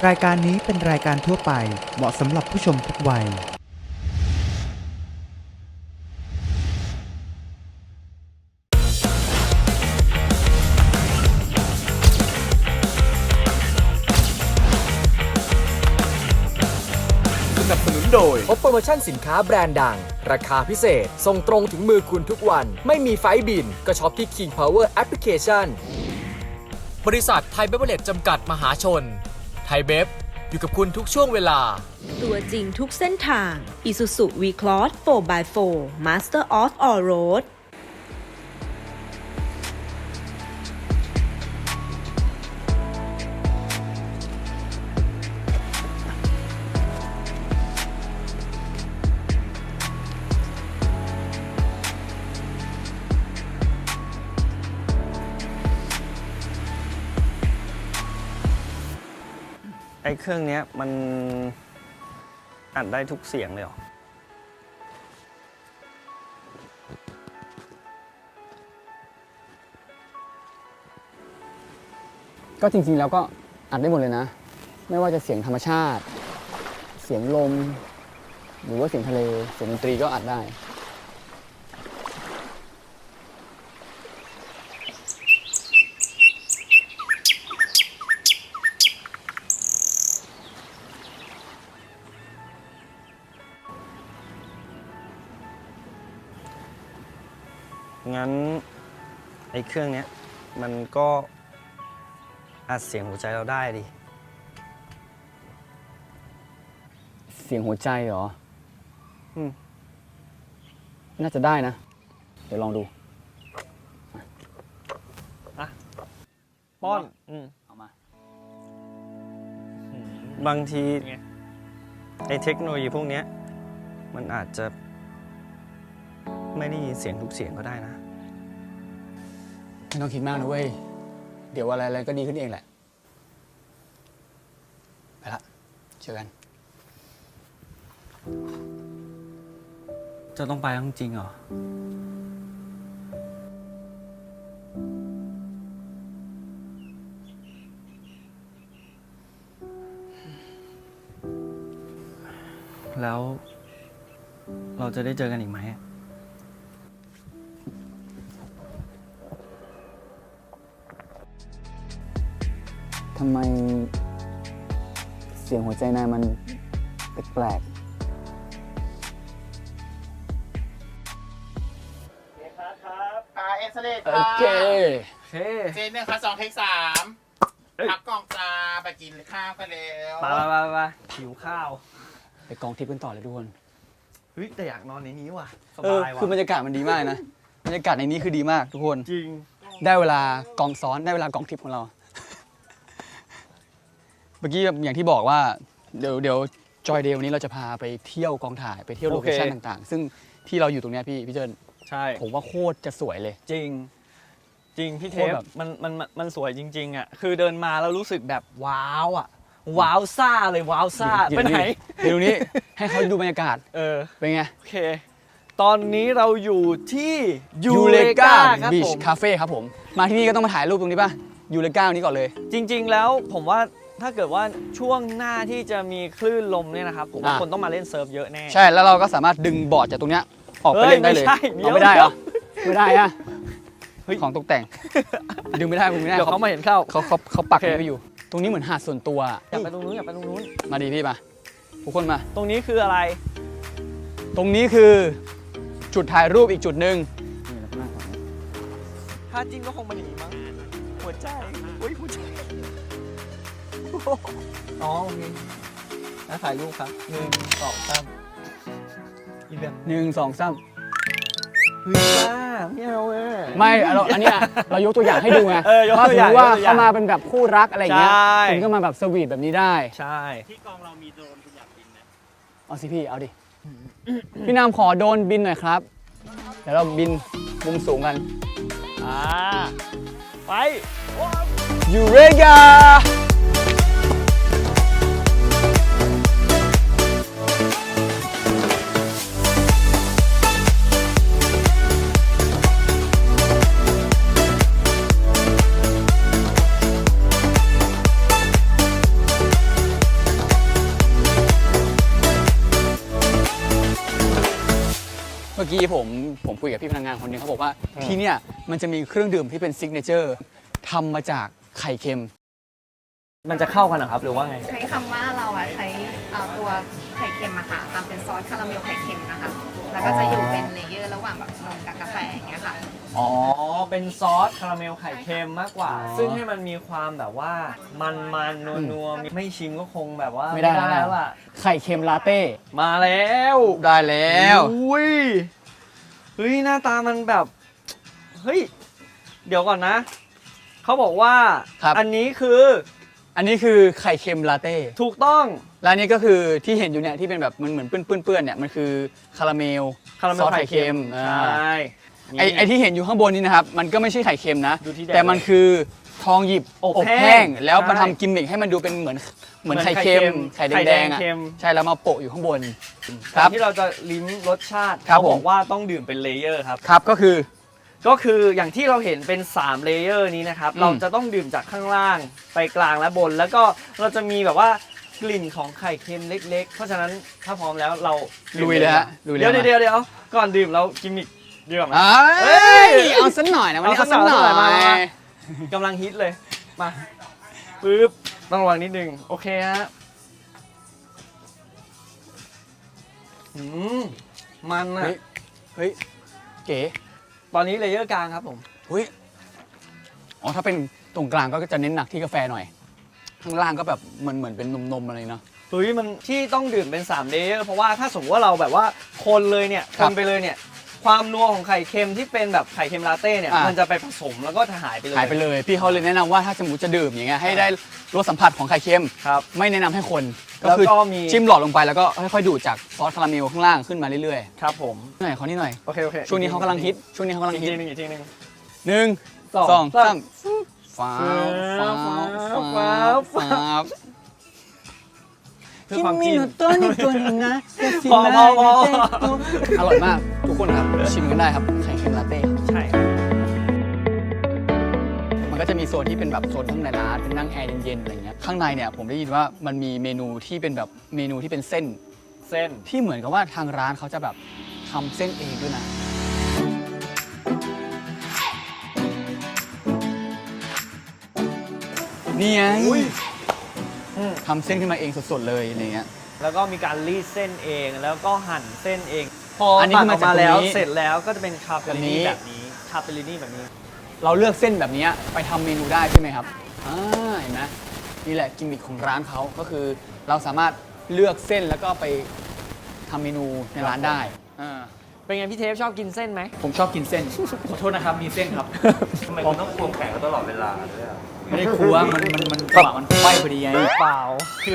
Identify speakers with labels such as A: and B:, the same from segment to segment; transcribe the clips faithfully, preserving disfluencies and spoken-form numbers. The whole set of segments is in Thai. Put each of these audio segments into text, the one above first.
A: รายการนี้เป็นรายการทั่วไปเหมาะสำหรับผู้ชมทุกวัย
B: สนับสนุนโดยพบโปรโมชั่นสินค้าแบรนด์ดังราคาพิเศษส่งตรงถึงมือคุณทุกวันไม่มีไฟล์บินก็ช็อปที่ King Power Application บริษัทไทยเบเวอร์เรจจำกัดมหาชนไทยเบฟอยู่กับคุณทุกช่วงเวลา
C: ตัวจริงทุกเส้นทาง Isuzu V-Cross โฟร์ บาย โฟร์ Master of All Road
D: ไอ้เครื่องนี้มันอัดได้ทุกเสียงเลยเหรอ
E: ก็จริงๆแล้วก็อัดได้หมดเลยนะ ไม่ว่าจะเสียงธรรมชาติ เสียงลม หรือว่าเสียงทะเล เสียงดนตรีก็อัดได้
D: งั้นไอ้เครื่องนี้มันก็อัดเสียงหัวใจเราได้ดิ
E: เสียงหัวใจเหรอ
D: อืม
E: น่าจะได้นะ เดี๋ยวลองดู
D: ป้อนอืม
E: เอามา
D: บางทีไอ้เทคโนโลยีพวกนี้มันอาจจะไม่ได้ยินเสียงทุกเสียงก็ได้นะ
E: ไม่ต้องคิดมากนะเว้ย เดี๋ยวอะไรๆก็ดีขึ้นเองแหละ ไปละ เจอกัน
D: จะต้องไปจริงเหรอแล้วเราจะได้เจอกันอีกไหม
E: ทำไมเสียงหัวใจนายมันแปลก
F: อ่าเอ็กซเรย์
E: ๆโอ
F: ค่ะ
E: เค
D: เฮ้
F: เจนหนึ่งค่ะสองเทคสามพักกล่องจ้าไปกินข้าวกันแล้ว
D: ไปไปไปหิวข้าว
E: ไปกองทิพย์กันต่อเลยทุกคน
D: เฮ้ยแต่อยากนอนในนี้ว่ะส
E: เออบ
D: ายว่ะ
E: คือบรรยากาศมันดีมากนะ บรรยากาศในนี้คือดีมากทุกคน
D: จริง
E: ได้เวลากองซ้อน ได้เวลากองทิพย์ของเรา เมื่อกี้อย่างที่บอกว่าเดี๋ยวเดี๋ยวจอยเดย์วันนี้เราจะพาไปเที่ยวกองถ่ายไปเที่ยวโลเคชั่น
D: โอเค
E: ต่างๆ ซึ่งที่เราอยู่ตรงเนี้ยพี่พี่เจิน
D: ใช่
E: ผมว่าโคตรจะสวยเลย
D: จริง จริงพี่เท
E: โคต
D: ป
E: รแบบ
D: มันมันมันมันสวยจริงๆอ่ะคือเดินมาแล้วรู้สึกแบบว้าวอ่ะว้าวซ่าเลยว้าวซ่าไปไหน
E: เดี๋ยวตรงนี้ให้เขาดูบรรยากาศ
D: เออ
E: เป็นไง
D: โอเค ตอนนี้เราอยู่ที่ยูเลกาครับ
E: บี
D: ผ
E: ช
D: ม
E: คาเฟ่ครับผม มาที่นี่ก็ต้องมาถ่ายรูปตรงนี้ป่ะยูเลกานี้ก่อนเลย
D: จริง ๆ แล้วผมว่าถ้าเกิดว่าช่วงหน้าที่จะมีคลื่นลมเนี่ยนะครับผมว่า
E: อ่ะ
D: คนต้องมาเล่นเซิร์ฟเยอะแน่
E: ใช่แล้วเราก็สามารถดึงบอร์ดจากตรงเนี้ยออกไป
D: เฮ้ย
E: เล่นได้เลย
D: ไม่ใช่เดี๋ยว
E: เอาไม่ได้เหรอไม่ได้อะ
D: เฮ้ย
E: ของตกแต่ง ดึงไม่ได้ดึงไม่ได้
D: เดี๋ยวเขามาเห็นเข้า
E: เขาเขาเขาปัก
D: โอเค
E: ไว้อยู่ ตรงนี้เหมือนหาดส่วนตัวอะ
D: อยากไปตรงนู้นอยากไปตรงนู้น
E: มาดีพี่มาทุกคนมา
D: ตรงนี้คืออะไร
E: ตรงนี้คือจุดถ่ายรูปอีกจุดหนึ่ง
D: ถ้าจริงก็คงมาอย่างนี้มั้งหัวใจอุ้ยหัวใจอ๋อโอเคแล้วถ่ายรูปครับหนึ่งสองสามอีกแบบ
E: หนึ่งสองสาม
D: เฮ้ยบ้าไม่เอาเว้ย
E: ไม่เราอันเนี้ยเรายกตัวอย่างให้ดูไง
D: เออยก
E: ถ้า
D: ตัว
E: สม
D: อย่าม ง
E: ติว่าย
D: กตัวอย่าง
E: เขามาเป็นแบบคู่รักอะไรอย่างเงี้ย
D: ใช่
E: คุณก็มาแบบสวีทแบบนี้ได้
D: ใช่
F: ที่กองเรามีโดรนคุณอยากบินไหม
E: เอาสิพี่เอาดิ พี่นามขอโดรนบินหน่อยครับ เดี๋ยวเราบินมุมสูงกัน
D: อ่าไป
E: ยูเรกากี้ผมผมคุยกับพี่พนักงานคนหนึงเขาบอกว่าที่เนี่ยมันจะมีเครื่องดื่มที่เป็นซิกเนเจอร์ทำมาจากไข่เค็ม
D: มันจะเข้ากันเหรอครับหรือว่าไง
G: ใช้คำว่าเราอะใช้เอ่อตัวไข่เค็มอะค่ะทำเป็นซอสคาราเมลไข่เค็มนะคะ แล้วก็จะอยู่เป็นเลเยอร์ระหว่างแบบนมกับกาแฟอย่างเงี้ยค่ะ
D: อ๋อ เป็นซอสคาราเมลไข่เค็มมากกว่า ซึ่งให้มันมีความแบบว่ามันมันนัวนัวๆไม่ชิมก็คงแบบว่า
E: ไม่ได้แล้ว
D: แล้วล่ะ
E: ไข่เค็มลาเต้
D: มาแล้ว
E: ได้แล้ว
D: อุ้ยเฮ้ยหน้าตามันแบบ เฮ้ย เดี๋ยวก่อนนะ เขาบอกว่า
E: ครับ
D: อันนี้คือ
E: อันนี้คือไข่เค็มลาเต้
D: ถูกต้อง
E: และอันนี้ก็คือที่เห็นอยู่เนี่ยที่เป็นแบบมันเหมือนเปื้อนๆเนี่ยมันคือคาราเมล
D: คาราเม
E: ซ
D: ล
E: อส
D: ไข่
E: ไข่
D: เค็
E: เค็
D: ม
E: ม
D: ใช
E: อ่า
D: ่
E: ไอไอที่เห็นอยู่ข้างบนนี้นะครับมันก็ไม่ใช่ไข่เค็มนะ
D: ดูที่แดง
E: แต่มันคือทองหยิบ
D: อบ
E: อบ
D: แห้ง
E: แห้งแล้วมา
D: ใช่
E: ทำกิมมิคให้มันดูเป็นเหมือนเหมือน
D: เหมือน
E: ไข่เค็ม
D: ไข่
E: ไข่
D: เค็ม
E: แดงๆอ่ะ
D: ไข่แดงเค็ม
E: ใช่แล้วมาโปะอยู่ข้างบนค
D: ก่อ
E: รั
D: น
E: บ
D: ที่เราจะลิ้มรสชาติ
E: ครับ
D: เขาบอ
E: ผ
D: ก
E: ม
D: ว่าต้องดื่มเป็นเลเยอร์ครับ
E: ครับก็คือ
D: ก็คืออย่างที่เราเห็นเป็นสามเลเยอร์นี้นะครับ
E: อืม
D: เราจะต้องดื่มจากข้างล่างไปกลางและบน แล้วก็เราจะมีแบบว่ากลิ่นของไข่เค็มเล็กๆ เพราะฉะนั้นถ้าพร้อมแล้วเรา
E: ลุยเลยฮะลุยเลย
D: เดี๋ยว
E: มา
D: เดี๋ยวเดี๋ยวก่อนดื่มเรากิมมิคดีกว่าไหม
E: เอ้ยเอาสักหน่อยนะวันนี้
D: เอา
E: เอา
D: สั
E: สั
D: ก
E: ก
D: ห
E: ห
D: น่
E: น่
D: อ
E: อย ย
D: มามา กำลังฮิตเลย มาปึ๊บต้องระวังนิดนึง โอเคฮะอืมมันอะ
E: เฮ้ยเฮ้ยเก๋
D: ตอนนี้เลเยอร์กลางครับผม
E: เฮ้ยอ๋อถ้าเป็นตรงกลางก็จะเน้นหนักที่กาแฟหน่อย ข้างล่างก็แบบเหมือนเหมือนเป็นนมๆอะไรเนาะ
D: เฮ้ยมันที่ต้องดื่มเป็นสามเลเยอร์เพราะว่าถ้าสมมติว่าเราแบบว่าคนเลยเนี่ย
E: ค
D: ครับ นไปเลยเนี่ย ความนัวของไข่เค็มที่เป็นแบบไข่เค็มลาเต้เนี่ย
E: อ่ะ
D: มันจะไปผสมแล้วก็จะหายไปเลย
E: หายไปเลย พี่เขาเลยแนะนำว่าถ้าสมมติจะดื่มอย่างเงี้ยให้ได้รสสัมผัสของไข่เค็ม
D: ครับ
E: ไม่แนะนำให้คน
D: แล้ว
E: คื
D: ก็มี
E: จิ้มหลอดลงไปแล้วก็ค่อยๆดูดจากซอสคาราเมลข้างล่างขึ้นมาเรื่อย
D: ครับผม
E: ๆหน่อยขอนี่หน่อย
D: โอเคโอเค
E: ช่วงนี้เขากำลังฮิตช่วงนี้เขากำลัง
D: อีก
E: ฮิต
D: ทีหนึงอีกทีหนึง
E: หนึ่ง
D: สอง
E: สอง
D: สา
E: สาม มฟ้า
D: ฟ้า
E: ฟ้า
D: ฟ้า
E: ฟ้า
D: ฟ้า เพื่อความกิน
E: ตัวนี้ตัวนึงนะ
D: พอพอพอ
E: อร่อยมากทุกคนครับชิมกันได้ครับไข่เค็มลาเต้ครับ
D: ใช่ครับ
E: มันก็จะมีโซนที่เป็นแบบโซนข้างในร้านเป็นนั่งแอร์เย็นๆอะไรเงี้ยข้างในเนี่ยผมได้ยินว่ามันมีเมนูที่เป็นแบบเมนูที่เป็นเส้น
D: เส้น
E: ที่เหมือนกับว่าทางร้านเขาจะแบบทำเส้นเองด้วยนะนี่ไง
D: อุ้ยอืม
E: ทำเส้นขึ้นมาเองสดๆเลยอะไรเงี้ย
D: แล้วก็มีการรีดเส้นเองแล้วก็หั่นเส้นเอง พอ
E: อั
D: อั
E: นนี้คือมาจาก
D: แล้ว
E: ตรงนี้
D: เสร็จแล้วก็จะเป็นคาเป
E: แบบ
D: ลิ
E: นี้
D: นี่แบบนี้คาเปลินี่แบบนี้
E: เราเลือกเส้นแบบนี้ไปทำเมนูได้ใช่ไหมครับอ่าเห็นไหมนี่แหละกิมมิคของร้านเขาก็คือเราสามารถเลือกเส้นแล้วก็ไปทำเมนูในร้านได้อ่า
D: เป็นไงพี่เทปชอบกินเส้นไหม
E: ผมชอบกินเส้น ขอโทษนะครับมีเส้นครับ
H: ทำไมคุณต้องควงแขนเขาตลอดเวลาด้วยอ่ะ
E: ไม่ได้ควงมันมันมันจังหวะมันไฟพอดีไง
D: เปล่าคือ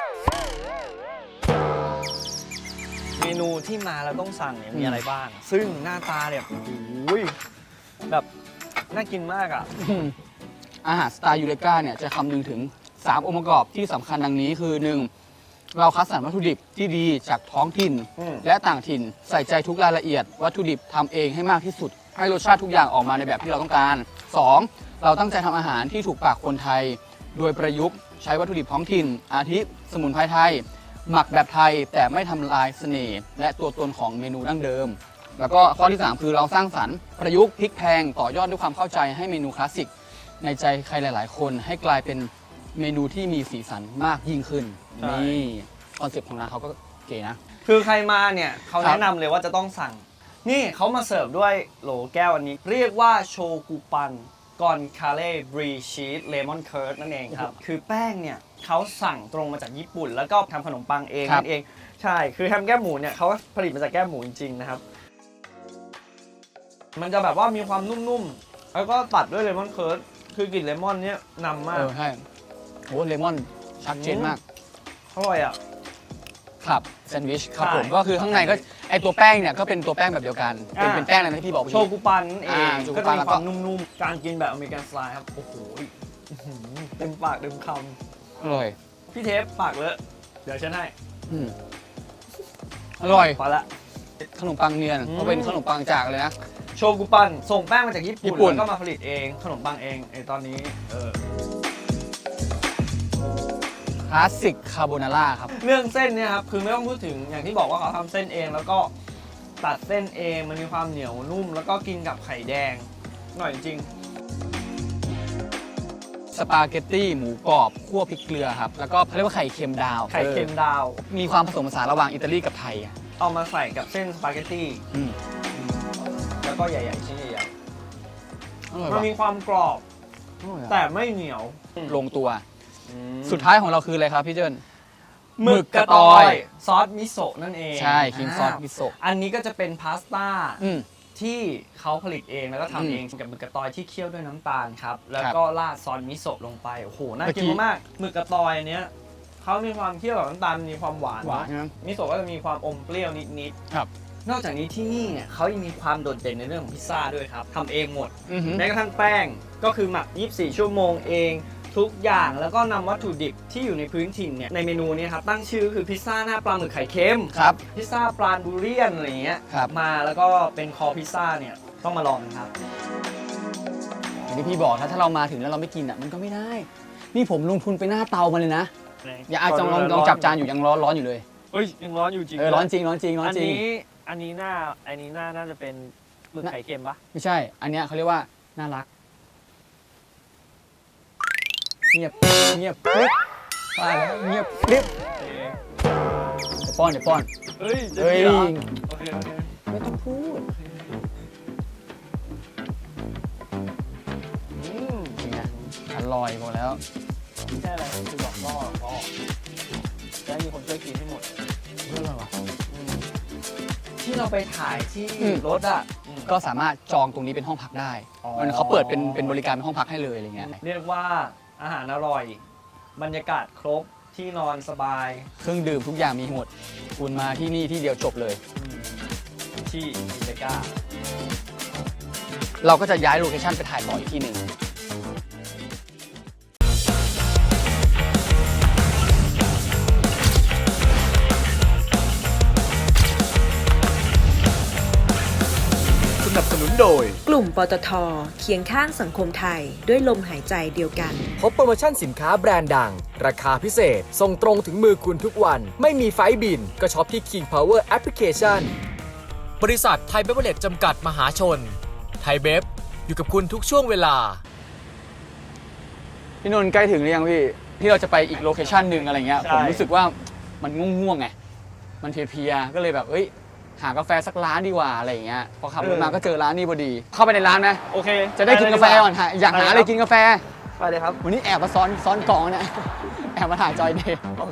D: เมนูที่มาแล้วต้องสั่งเนี่ยมีอะไรบ้าง ซึ่งหน้าตาเนี่ยโอ้ยแบบน่ากินมากอ่ะ
E: อืมอาหารสไตล์ยูเรกาเนี่ยจะคำนึงถึง สาม องค์ประกอบที่สำคัญดังนี้คือ หนึ่ง เราคัดสรรวัตถุดิบที่ดีจากท้องถิ่น
D: อืม
E: และต่างถิ่นใส่ใจทุกรายละเอียด วัตถุดิบทำเองให้มากที่สุด ให้รสชาติทุกอย่างออกมาในแบบที่เราต้องการ สอง เราตั้งใจทำอาหารที่ถูกปากคนไทย โดยประยุกต์ใช้วัตถุดิบท้องถิ่น อาทิสมุนไพรไทย หมักแบบไทยแต่ไม่ทำลายเสน่ห์และตัวตนของเมนูดั้งเดิม แล้วก็ข้อที่ สาม คือเราสร้างสรรค์ประยุกต์พลิกแพลงต่อยอดด้วยความเข้าใจให้เมนูคลาสสิกในใจใครหลาย ๆ คนให้กลายเป็นเมนูที่มีสีสันมากยิ่งขึ้น
D: ใช่
E: นี่คอนเซ็ปต์ของร้านเขาก็เก๋นะ
D: คือใครมาเนี่ยเขา
E: ครับ
D: แนะนำเลยว่าจะต้องสั่ง นี่เขามาเสิร์ฟด้วยโหลแก้วอันนี้ เรียกว่าโชกุปันกอนคาเล่บรีชีสเลมอนเคิร์ดนั่นเองครับ คือแป้งเนี่ยเขาสั่งตรงมาจากญี่ปุ่น แล้วก็ทำขนมปังเอง
E: ครับ
D: นั่นเอง ใช่ คือแฮมแก้มหมูเนี่ยเขาผลิตมาจากแก้มหมูจริง ๆ นะครับ มันจะแบบว่ามีความนุ่มๆ แล้วก็ตัดด้วยเลมอนเคิร์ดคือกลิ่นเลมอนเนี่ยนำมา
E: เอก อใช่โอ้เลมอนชัดเจนมาก
D: อร่อยอ่ะ
E: ครับแซนด์วิชครับ
D: ใช่
E: ผมก็คือข้างในก็ไอตัวแป้งเนี่ยก็เป็นตัวแป้งแบบเดียวกัน เป็น
D: อ่า
E: เป็นแป้งอะไรนะที่พี่บอกเมื่อ
D: โช
E: กี้
D: กุปันนั่นเอง
E: อ่าโชกุ
D: ก็
E: ปั
D: จะ
E: น
D: มี
E: แล้ว
D: ค
E: ก็
D: วามนุ่มๆ การกินแบบอเมริกันสไตล์ครับ โอ้โหอื้อหือเต็มปากเต็มค
E: อร่อย
D: ำพี่เทปปากเลอะเดี๋ยวฉันให้
E: อืมอร่อย
D: พอละ
E: ขนมปังเนียน
D: อืม
E: ก็เป็นขนมปังจากเลยนะ
D: โชกุปันส่งแป้งมาจากญี่
E: ญี่
D: ปุ่น
E: ปุ่น
D: แล้วก็มาผลิตเองขนมปังเองไอตอนนี้เออ
E: คลาสสิกคาโบนาร่าครับ
D: เรื่องเส้นเนี่ยครับคือไม่ต้องพูดถึงอย่างที่บอกว่าเขาทำเส้นเองแล้วก็ตัดเส้นเองมันมีความเหนียวนุ่ม แล้วก็กินกับไข่แดงอร่อยจริง
E: สปาเกตตี้หมูกรอบคั่วพริกเกลือครับ แล้วก็เขาเรียกว่าไข่เค็มดาว
D: ไข่เค็มดาว
E: เออมีความผสมผสานระหว่างอิตาลีกับไทยอะ
D: เอามาใส่กับเส้นสปาเกตตี้
E: อืม
D: แล้วก็ใหญ่ๆชิ้นใหญ่
E: อร่อย
D: ๆมัน
E: ว่ะ
D: มีความกรอบ
E: อร่อยอะ
D: แต่ไม่เหนียว
E: ลงตัว สุดท้ายของเราคืออะไรครับพี่เจิ้น
D: หมึกกระตอย ซอสมิโซะนั่นเอง
E: ใช่ครีมซอสมิโซะ
D: อันนี้ก็จะเป็นพาสต้า
E: อืม
D: ที่เขาผลิตเองแล้วก็
E: อื
D: ทำ
E: ม
D: เองกับหมึกกระตอยที่เคี่ยวด้วยน้ำตาลครับ แล้ว
E: ครับ
D: ก็ราดซอสมิโซะลงไป โอ้โห น่า
E: เมื่อกี้
D: กินมากๆหมึกกระตอยอันเนี้ยเขามีความเคี่ยวกับน้ำตาลมีความหวาน
E: หวานนะ
D: มิโซะก็จะมีความอมเปรี้ยวนิด
E: ครับ
D: ๆ นอกจากนี้ที่นี่เนี่ยเขายังมีความโดดเด่นในเรื่องของพิซซ่าด้วยครับทำเองหมด
E: อือหือ
D: แม้กระทั่งแป้งก็คือหมัก ยี่สิบสี่ ชั่วโมงเอง ทุกอย่างแล้วก็นำวัตถุดิบที่อยู่ในพื้นถิ่นเนี่ยในเมนูนี้ครับตั้งชื่อคือพิซซ่าหน้าปลาหมึกไข่เค็ม
E: ครับ
D: พิซซ่าปลาบูเรียนอะไรอย่างเงี้ย
E: ครับ
D: มาแล้วก็เป็นคอพิซซ่าเนี่ยต้องมาลองครับ
E: อย่างที่พี่บอกถ้าถ้าเรามาถึงแล้วเราไม่กินอ่ะมันก็ไม่ได้ นี่ผมลงทุนไปหน้าเตามาเลยนะ อย่าอาจจะลองลองจับจานอยู่ยังร้อนร้อนอยู่เลย
D: เฮ้ยยังร้อนอยู่จริง
E: เออร้อนจริงร้อนจริงร้อน
H: อัน
E: จริง
H: นี้อันนี้หน้าอันนี้หน้าน่าจะเป็นหมึกไข่เค็มปะ
E: ไม่ใช่ อันเนี้ยเขาเรียกว่าน่ารัก เงียบเงียบกริบตายแล้วเงียบกริบเดี๋ยวป้อนเดี๋ยวป้อน
D: เฮ้ยจะ
E: เฮ้ย
D: ดีเหรอโอเคโอเค
E: ไม่ต้องพูด
D: อืม
E: เป็นไงอร่อยหมดแล้ว
D: ไม่ใช่อะไรคือบอกล่อล่อจะให้มีคนช่วยกินให้หมด
E: อร่อยว่ะ
D: ที่เราไปถ่ายที่
E: อืม
D: รถอ่ะ
E: ก็สามารถจองตรงนี้เป็นห้องพักได้
D: อ๋อ
E: มันเขาเปิดเป็นเป็นบริการเป็นห้องพักให้เลยอะไรเงี้ย
D: เรียกว่าอาหารอร่อย บรรยากาศครบที่นอนสบาย
E: เครื่องดื่มทุกอย่างมีหมด คุณมาที่นี่ที่เดียวจบเลย
D: ที่อิตาก้า
E: เราก็จะย้ายโลเคชั่นไปถ่ายต่ออีกที่หนึ่ง
A: สนับสนุนโดย
C: กลุ่มปตทเคียงข้างสังคมไทยด้วยลมหายใจเดียวกัน
B: พบโปรโมชั่นสินค้าแบรนด์ดัง ราคาพิเศษ ส่งตรงถึงมือคุณทุกวัน ไม่มีไฟล์บิน ก็ช็อปที่ King Power Application บริษัทไทยเบเวอร์เรจจำกัดมหาชน ไทยเบฟอยู่กับคุณทุกช่วงเวลา
E: พี่นนท์ใกล้ถึงหรือยังพี่ ที่เราจะไปอีกโลเคชั่นหนึ่งอะไรเงี้ย
D: ใช่
E: ผมรู้สึกว่ามันง่วงๆไง มันเพลียๆ ก็เลยแบบ เอ้ย หากาแฟสักร้านดีกว่าอะไรเงี้ย พอขับรถมาก็เจอร้านนี้พอดี เข้าไปในร้านไหม
D: โอเค
E: จะได้กินกาแฟก่อนหาอยากหาอะไรกินกาแฟ
D: ไปเลยครับ
E: วันนี้แอบมาซ้อนซ้อนกล่องเนี่ย แอบมาถ่ายจอยเดย์
D: โอเค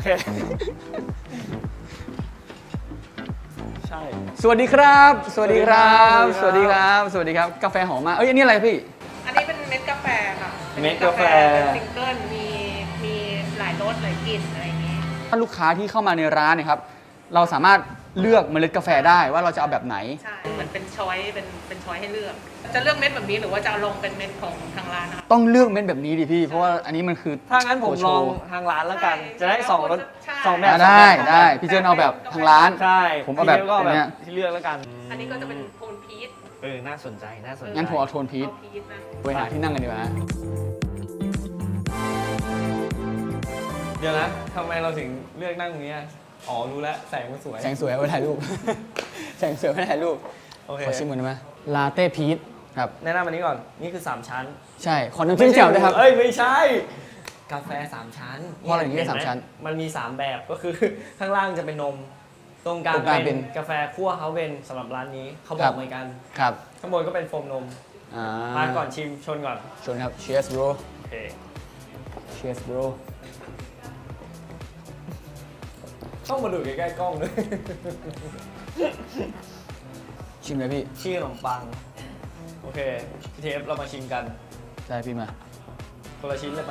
D: ใช่
E: สวัสดีครับ สวัสดีครับ สวัสดีครับ สวัสดีครับ กาแฟหอมมากเอ้ย อันนี้อะไรพี่
I: อันนี้เป็นเม็ดกาแฟค่ะ
D: เม็ดกาแฟ
I: เป็นซิงเกิล มี มีหลายรสหลายกลิ่นอะไรอย่างนี้
E: ถ้าลูกค้าที่เข้ามาในร้านเนี่ยครับ เราสามารถเลือกเมล็ดกาแฟได้ว่าเราจะเอาแบบไหน
I: ใช่ เหมือนเป็นช้อย เป็น เป็นช้อยให้เลือก จะเลือกเม็ดแบบนี้หรือว่าจะเอาลงเป็นเม็ดของทางร้านนะคะ
E: ต้องเลือกเม็ดแบบนี้ดิพี่ เพราะว่าอันนี้มันคือ
D: ถ้างั้นผม
E: โช
D: ลอง
E: ว์
D: ทางร้านแล้วกัน
I: ใช่
D: จะได้สองรส
I: ใช่
D: สองแบบ
E: อ่ะได้
D: สองแบบ
E: ได้พี่เจิ้นเอาแบบทางร้าน
D: ใช่
E: ผมเอาแบบ
D: พี่ก็
E: อันเนี้
D: แบ
E: ย
D: บที่เลือกแล้วกัน
I: อันนี้ก็จะเป็นโทนพีช
D: เออ น่าสนใจ น่าสนใจ
E: งั้นผมเอาโทนพีช
I: เอาพีชนะ
E: ไปหาที่นั่งกันดีกว่าฮะ
D: เดี๋ยวนะทำไมเราถึงเลือกนั่งตรงนี้อะอ๋อ รู้แล้ว แสงมันสวย
E: แสงสวยเอาไว้ถ่ายรูป แสงสวยไว้ถ่ายรูป
D: โอเค
E: ขอชิมก่อนได้ไหมลาเต้พีชครับ
D: แนะนำอันนี้ก่อน นี่คือ สาม ชั้น
E: ใช่ ขอน้ำจิ้มแจ่วด้วยครับ
D: เอ้ย ไม่ใช่ กาแฟ สาม ชั้น
E: เพราะอะไรถึงเรียก
D: ห็ไห
E: สามชั้น
D: มันมี สาม แบบก็คือ ข้างล่างจะเป็นนม ตรงกลาง
E: ตรงกลางเป็
D: เป็น นกาแฟคั่วเฮาเวนสำหรับร้านนี้ เขาบ
E: ครั
D: อก
E: บ
D: เหมือนกัน
E: ครับ
D: ข้างบนก็เป็นโฟมนม
E: อ่า
D: มาก่อนชิมชนก่อน
E: ชวนครับ cheers bro
D: โอเค
E: cheers bro
D: ต้องมาดูใกล้ๆกล้องด้วย
E: ชิมเลยพี่
D: ชื่อขนมปัง โอเคพี่เทปเรามาชิมกัน
E: ได้พี่มา
D: คนละชิ้นเลยมา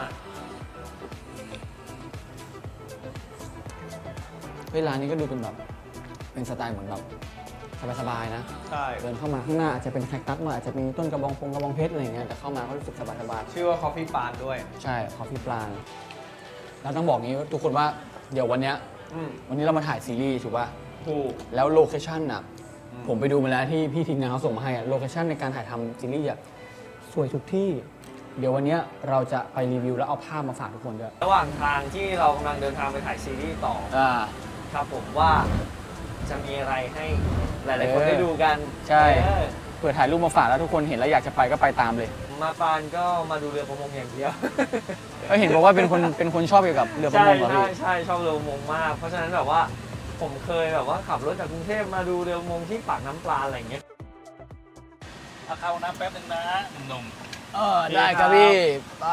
E: เฮ้ยร้านนี้ก็ดูเป็นแบบ เป็นสไตล์เหมือนแบบสบายๆนะ
D: ใช่
E: เดินเข้ามาข้างหน้าอาจจะเป็นแคคตัสมาอาจจะมีต้นกระบองพงกระบองเพชรอะไรอย่างเงี้ยแต่เข้ามาก็รู้สึกสบาย
D: ชื่อว่าคอฟฟี่ปานด้วย
E: ๆใช่คอฟฟี่ปลาแล้วต้องบอกงี้ว่าทุกคนว่าเดี๋ยววันเนี้ย
D: อืม
E: วันนี้เรามาถ่ายซีรีส์ถูกป่ะ
D: ถูก
E: แล้วโลเคชั่นอ่ะ
D: อืม
E: ผมไปดูมาแล้วที่พี่ทีมงานเขาส่งมาให้อะโลเคชั่นในการถ่ายทำซีรีส์อะสวยทุกที่ เดี๋ยววันเนี้ยเราจะไปรีวิวแล้วเอาภาพมาฝากทุกคนด้วย
D: ระหว่างทางที่เรากำลังเดินทางไปถ่ายซีรีส์ต่อ
E: อ่า
D: ครับผมว่าจะมีอะไรให้หลายๆคนได้ดูกัน
E: ใช่
D: เออ
E: เผื่อถ่ายรูปมาฝากแล้วทุกคนเห็นแล้วอยากจะไปก็ไปตามเลย
D: มาปานก็มาดูเรือประมงอย่างเดียว
E: ก็เห็นบอกว่าเป็นคนเป็นคนชอบเกี่ยวกับเรือประ
D: ใช่
E: มงเหรอ
D: ใช่
E: พี่
D: ใช่ชอบเรือประมงมาก เพราะฉะนั้นแบบว่าผมเคยแบบว่าขับรถจากกรุงเทพมาดูเรือประมงที่ปากน้ำปลาอะไรอย่างเงี้ย
F: เอาเข้าน้ำแป๊บนึงนะหนุ่ม
E: เออได้ครับพี่ได้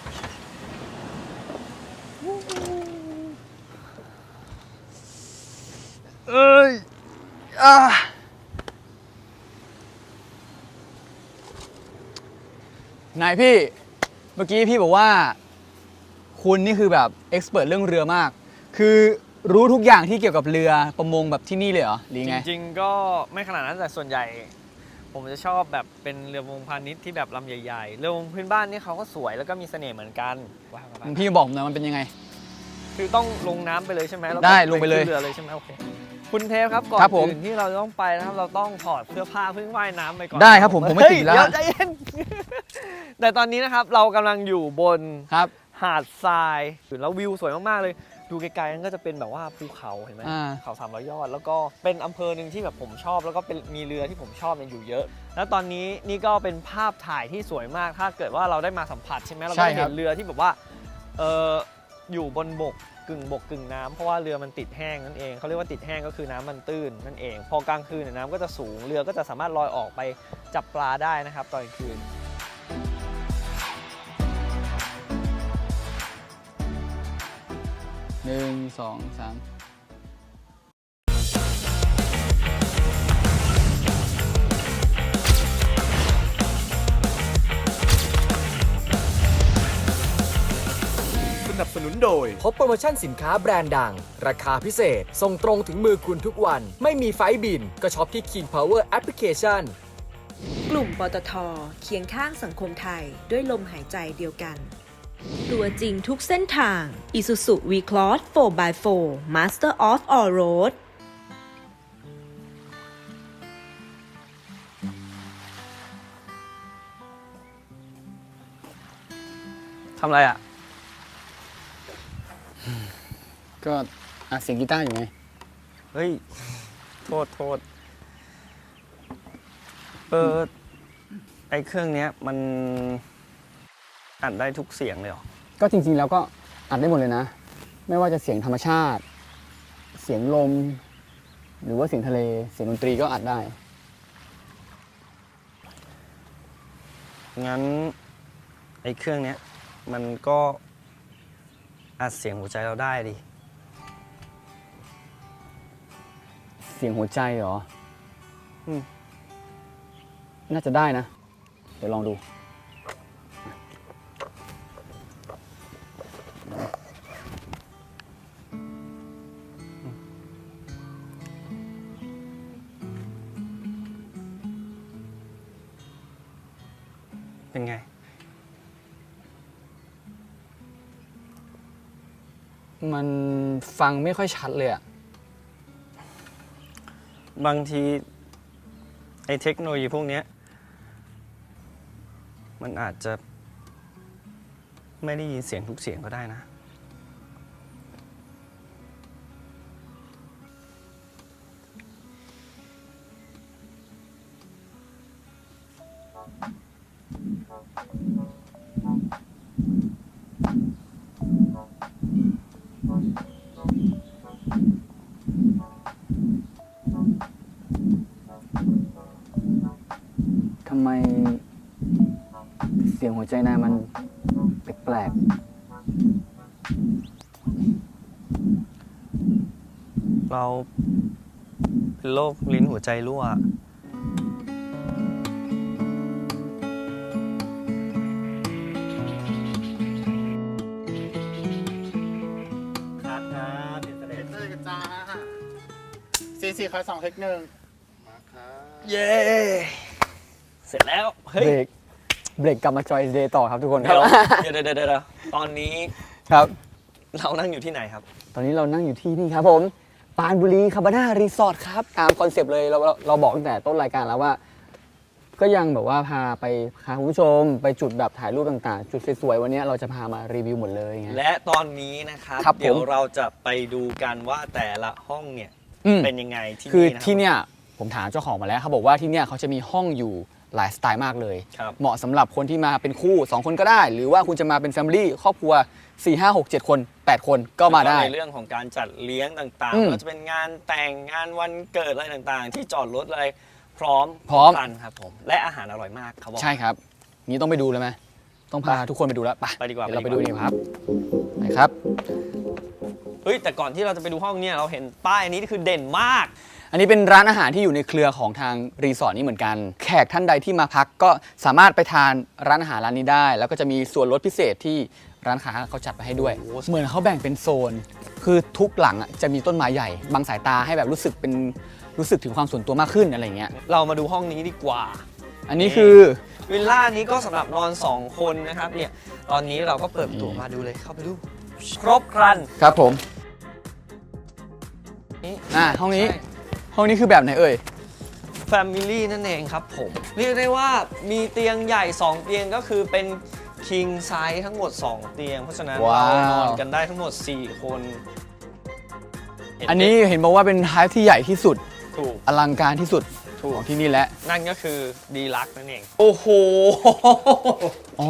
E: เอ้ยอ่านายพี่ เมื่อกี้พี่บอกว่า คุณนี่คือแบบเอ็กซ์เพรสเรื่องเรือมาก คือรู้ทุกอย่างที่เกี่ยวกับเรือประมงแบบที่นี่เลยเหรอหรือ
D: จ
E: ไง
D: ริงๆก็ไม่ขนาดนั้นแต่ส่วนใหญ่ ผมจะชอบแบบเป็นเรือประมงพาณิชย์ที่แบบลำใหญ่ๆเรือประมงพื้นบ้านนี่เขาก็สวยแล้วก็มีเสน่ห์เหมือนกันว้าว
E: พี่บอกผมหน่อยมันเป็นยังไง
D: คือต้องลงน้ำไปเลยใช่ไหมแล้วก็
E: ได้ลงไปเลย
D: ขึ้นเรือเลยใช่ไหมโอเคคุณเทพครับก่อน
E: ครับผม
D: อื่นที่เราจะต้องไปนะครับเราต้องถอดเสื้อผ้าเพิ่งว่ายน้ำไปก่อน
E: ได้ครับผมผมไม่ติดแล้ว
D: เฮ้ยเดี๋ยวใจเย็น แต่ตอนนี้นะครับเรากำลังอยู่บน
E: ครับ
D: หาดทรายแล้ววิวสวยมากๆเลยดูไกลๆนั่นก็จะเป็นแบบว่าภูเขาเห็นไหม
E: อ่า
D: เขาสามร้อยยอดแล้วก็เป็นอำเภอหนึ่งที่แบบผมชอบแล้วก็เป็นมีเรือที่ผมชอบเนี่ยอยู่เยอะ แล้วตอนนี้นี่ก็เป็นภาพถ่ายที่สวยมากถ้าเกิดว่าเราได้มาสัมผัสใช่ไหมเราก็จะเห็นเรือที่แบบว่าเอออยู่บนบกกึ่งบกกึ่งน้ำเพราะว่าเรือมันติดแห้งนั่นเองเขาเรียกว่าติดแห้งก็คือน้ำมันตื้นนั่นเอง พอกลางคืนเนี่ยน้ำก็จะสูงเรือก็จะสามารถลอยออกไปจับปลาได้นะครับตอนกลางคืน
E: หนึ่งสองสาม
B: สนับสนุนโดยพบโปรโมชั่นสินค้าแบรนด์ดัง ราคาพิเศษ ส่งตรงถึงมือคุณทุกวัน ไม่มีไฟล์บิน ก็ช็อปที่ King Power Application
C: กลุ่มปตท.เคียงข้างสังคมไทยด้วยลมหายใจเดียวกัน ตัวจริงทุกเส้นทาง Isuzu V-Cross โฟร์ by โฟร์ Master of All Road
D: ทำอะไรอ่ะ
E: ก็อัดเสียงกีตาร์อยู่ไง
D: เฮ้ย โทษโทษเออไอเครื่องเนี้ยมันอัดได้ทุกเสียงเลยเหรอ
E: ก็จริงๆแล้วก็อัดได้หมดเลยนะ ไม่ว่าจะเสียงธรรมชาติ เสียงลม หรือว่าเสียงทะเล เสียงดนตรีก็อัดได้
D: งั้นไอเครื่องเนี้ยมันก็อัดเสียงหัวใจเราได้ดิ
E: เสียงหัวใจเหรอ
D: อืม
E: น่าจะได้นะ เดี๋ยวลองดู
D: เป็นไง
E: มันฟังไม่ค่อยชัดเลยอะ
D: บางทีไอเทคโนโลยีพวกเนี้ยมันอาจจะไม่ได้ยินเสียงทุกเสียงก็ได้นะ
E: ทำไมเสียงหัวใจนายมันแปลก
D: เราเป็นโรคลิ้นหัวใจรั่ว
F: ครับครับเดี๋ยวเสด็จเตอร์กันจ้าสี่สี่คอยสองเทคหนึ่งมาครับ
D: เย้ เสร็จแล้ว
E: ๆ
D: เฮ้ย
E: เบรก เบรกกลับมาจอยเดย์ต่อครับทุกคนค
D: เดี๋
E: รั
D: ยว
E: บ
D: เดี๋ยวเดี๋ยวเดี๋ยวตอนนี้
E: ครับ
D: เรานั่งอยู่ที่ไหนครับ
E: ตอนนี้เรานั่งอยู่ที่นี่ครับผม ปานบุรีคาบาน่ารีสอร์ทครับ ตามคอนเซปต์เลยเราเราเราบอกตั้งแต่ต้นรายการแล้วว่า ก็ยังแบบว่าพาไปพาคุณผู้ชมไปจุดแบบถ่ายรูปต่างๆ จุดสวยๆวันนี้เราจะพามารีวิวหมดเลยไง
D: และตอนนี้นะครับ
E: ครับผม
D: เดี๋ยวเราจะไปดูกันว่าแต่ละห้องเนี่ย
E: อืม
D: เป็นยังไงที่
E: คือ
D: นี่นะครับ
E: ที่เนี่ยผมถามเจ้าของมาแล้วเขาบอกว่าที่เนี่ยเขาจะมีห้องอยู่หลายสไตล์มากเลย
D: ครับ
E: เหมาะสำหรับคนที่มาเป็นคู่สองคนก็ได้ หรือว่าคุณจะมาเป็นแฟมิลี่ครอบครัวสี่ ห้า หก เจ็ดคนแปดคนก็มาได้
D: ในเรื่องของการจัดเลี้ยงต่าง
E: อืม
D: ๆก็จะเป็นงานแต่งงานวันเกิดอะไรต่างๆ ที่จอดรถอะไรพร้อม
E: พร้อม
D: กันครับผมและอาหารอร่อยมากเขาบอก
E: ใช่ครับนี้ต้องไปดูเลยไหมต้องพาทุกคนไปดูแล้วไป
D: ไปดีกว่า
E: เดี๋ยวเรา
D: ไป
E: ไป
D: ดี
E: ดู
D: กว่า
E: ดีครับไปครับ
D: เฮ้ยแต่ก่อนที่เราจะไปดูห้องเนี่ยเราเห็นป้ายอันนี้คือเด่นมาก
E: อันนี้เป็นร้านอาหารที่อยู่ในเครือของทางรีสอร์ทนี้เหมือนกัน แขกท่านใดที่มาพักก็สามารถไปทานร้านอาหารร้านนี้ได้ แล้วก็จะมีส่วนลดพิเศษที่ร้านค้าเขาจัดไปให้ด้วย เหมือนเขาแบ่งเป็นโซน คือทุกหลังอะจะมีต้นไม้ใหญ่บังสายตาให้แบบรู้สึกเป็นรู้สึกถึงความส่วนตัวมากขึ้นอะไรเงี้ย
D: เรามาดูห้องนี้ดีกว่า
E: อันนี้คือ
D: วิลล่านี้ก็สำหรับนอนสองคนนะครับเนี่ยตอนนี้เราก็เปิดประตูมาดูเลยเข้าไปดู ครบครัน
E: ครับผม
D: นี่
E: อ่าห้องนี้ห้องนี้คือแบบไหนเอ่ย
D: แฟมิลี่นั่นเองครับผมเรียกได้ว่ามีเตียงใหญ่สองเตียงก็คือเป็น king size ทั้งหมดสองเตียง เพราะฉะนั้น
E: ว้าว
D: เรานอนกันได้ทั้งหมดสี่คนเห็
E: อันนี้เห็นบอกว่าเป็นไฮท์ที่ใหญ่ที่สุด
D: ถูก
E: อลังการที่สุด
D: ถูก
E: ของที่นี่แหละ
D: นั่นก็คือดีลักนั่นเอง โอ้โห
E: อ๋อ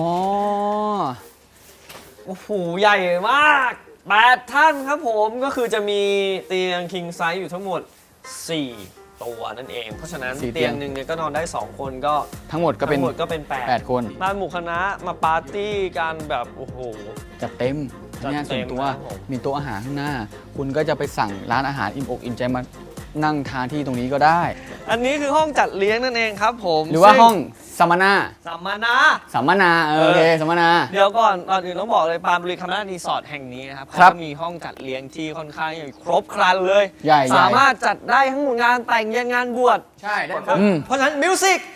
D: โอ้โห ใหญ่มากแปดท่านครับผมก็คือจะมีเตียง king size อยู่ทั้งหมดสี่ตัวนั่นเอง เพราะฉะนั้น
E: สี่เตี
D: เตี
E: ย
D: ย
E: ง
D: งหนึ่งเนี่ยก็นอนได้สองคนก็
E: ทั้งหมดก็เป็น
D: ทั้งหมดก็เป็นแปด
E: แปดคน
D: มาหมู่คณะมาปาร์ตี้กันแบบโอ้โห
E: จัดเต็ม
D: จัด
E: งาน
D: เต็
E: ส่วน
D: ม
E: ตัว
D: ครับผม
E: มีโต๊ะอาหารข้างหน้า คุณก็จะไปสั่งร้านอาหารอิ่มอกอิ่มใจมานั่งทานที่ตรงนี้ก็ได้
D: อันนี้คือห้องจัดเลี้ยงนั่นเองครับผม
E: หรือว่า
D: ซึ่
E: ห้องสัมมนา
D: สัมมนา
E: สัมมนาเออโอเคสัมมนา
D: เดี๋ยวก่อนก่อนอื่นต้องบอกเลยปรานบุรีคานารีสอร์ทแห่งนี้นะครับ
E: ครั
D: เขา
E: บ
D: ก็มีห้องจัดเลี้ยงที่ค่อนข้างใหญ่ครบครันเลย
E: ใหญ่ๆ
D: สามารถจัดได้ทั้งหมดงานแต่งยันงานบวช
E: ใช่ได้
D: ครับเพราะฉะนั้นมิวสิก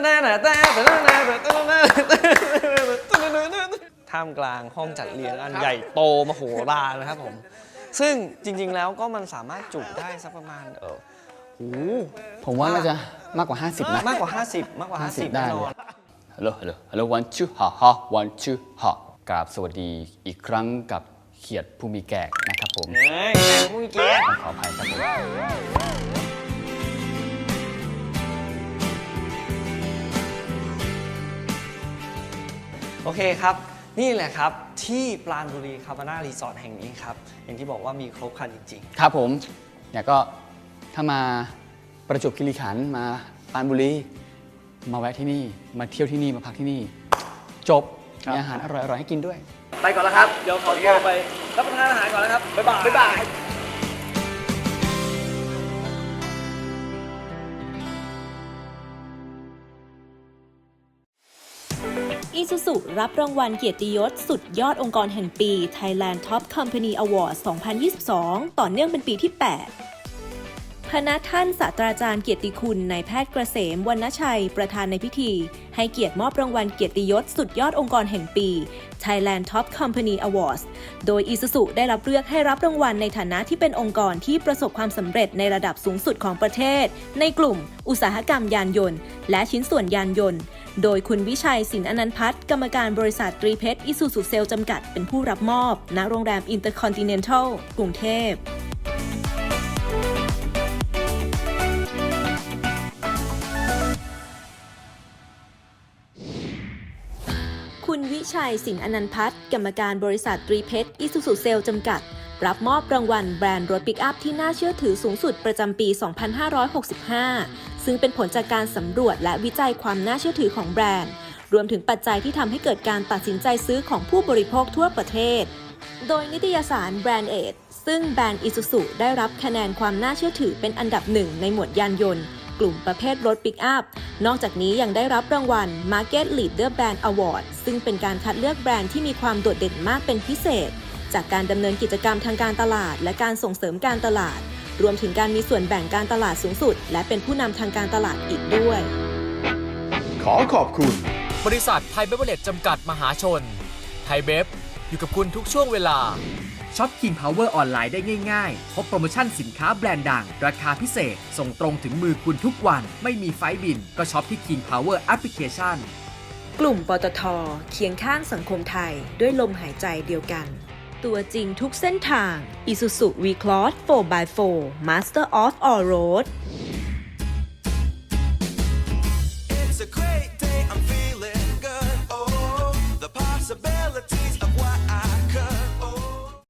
D: ท่ามกลางห้องจัดเลี้ยงอันใหญ่โตมโหฬารนะครับผมซึ่งจริงๆแล้วก็มันสามารถจุได้สักประมาณเออโอ้โห
E: ผมว่าน่าจะมากกว่า ห้าสิบนะ
D: มากกว่า ห้าสิบ มากกว่า ห้าสิบ
E: ได้
D: แน่น
E: เล
D: อน
E: ย ฮัลโหล ฮัลโหล ฮัลโหล วันชูฮ่าฮ่าวันชูฮ่ากราบสวัสดีอีกครั้งกับเขียดผู้มีแกกนะครับผม
D: เฮ้ยแข่งมุ้งเกียร์
E: ขออภัยครับผม
D: โอเคครับ นี่แหละครับที่ปราณบุรีคาบาน่ารีสอร์ทแห่งนี้ครับ อย่างที่บอกว่ามีครบครันจริง
E: ครับผมเนี่ยก็ถ้ามาประจวบคีรีขันธ์มาปรานบุรีมาแวะที่นี่มาเที่ยวที่นี่มาพักที่นี่ จบ
D: ครับ
E: มีอาหารอร่อยๆให้กินด้วย
D: ๆ ไปก่อนแล้วครับ เดี๋ยวขอตัวไปรับประทานอาหารก่อนนะครับ บ๊ายบาย บ๊ายบาย
C: อีซูซุรับรางวัลเกียรติยศสุดยอดองค์กรแห่งปี Thailand Top Company Award สองพันยี่สิบสอง ต่อเนื่องเป็นปีที่ แปด พณท่านศาสตราจารย์เกียรติคุณนายแพทย์เกษมวรรณชัยประธานในพิธี ให้เกียรติมอบรางวัลเกียรติยศสุดยอดองค์กรแห่งปี Thailand Top Company Awards โดย Isuzu ได้รับเลือกให้รับรางวัลในฐานะที่เป็นองค์กรที่ประสบความสำเร็จในระดับสูงสุดของประเทศ ในกลุ่มอุตสาหกรรมยานยนต์ และชิ้นส่วนยานยนต์ โดยคุณวิชัยสินอนันต์พัฒน์กรรมการบริษัทตรีเพชร Isuzu Sales จำกัดเป็นผู้รับมอบณโรงแรม Intercontinental กรุงเทพคุณวิชัยสินอนันต์พัฒน์กรรมการบริษัทตรีเพชร Isuzu Sales จำกัด รับมอบรางวัลแบรนด์รถปิกอัพที่น่าเชื่อถือสูงสุดประจำปี สองพันห้าร้อยหกสิบห้า ซึ่งเป็นผลจากการสำรวจและวิจัยความน่าเชื่อถือของแบรนด์ รวมถึงปัจจัยที่ทำให้เกิดการตัดสินใจซื้อของผู้บริโภคทั่วประเทศ โดยนิตยสาร Brand Age ซึ่งแบรนด์ Isuzu ได้รับคะแนนความน่าเชื่อถือเป็นอันดับหนึ่งในหมวดยานยนต์กลุ่มประเภทรถปิกอัพ นอกจากนี้ยังได้รับรางวัล Market Leader Brand Award ซึ่งเป็นการคัดเลือกแบรนด์ที่มีความโดดเด่นมากเป็นพิเศษ จากการดำเนินกิจกรรมทางการตลาดและการส่งเสริมการตลาด รวมถึงการมีส่วนแบ่งการตลาดสูงสุด และเป็นผู้นำทางการตลาดอีกด้วย
A: ขอขอบคุณ
B: บริษัทไทยเบเวอร์เรจจำกัดมหาชน ไทยเบฟอยู่กับคุณทุกช่วงเวลา ช็อป King Power ออนไลน์ได้ง่ายๆ พบโปรโมชั่นสินค้าแบรนด์ดัง ราคาพิเศษ ส่งตรงถึงมือคุณทุกวัน ไม่มีไฟล์บิน ก็ช็อปที่ King Power Application
C: กลุ่มปตท.เคียงข้างสังคมไทยด้วยลมหายใจเดียวกัน ตัวจริงทุกเส้นทาง Isuzu V-Cross โฟร์ บาย โฟร์ Master of All Road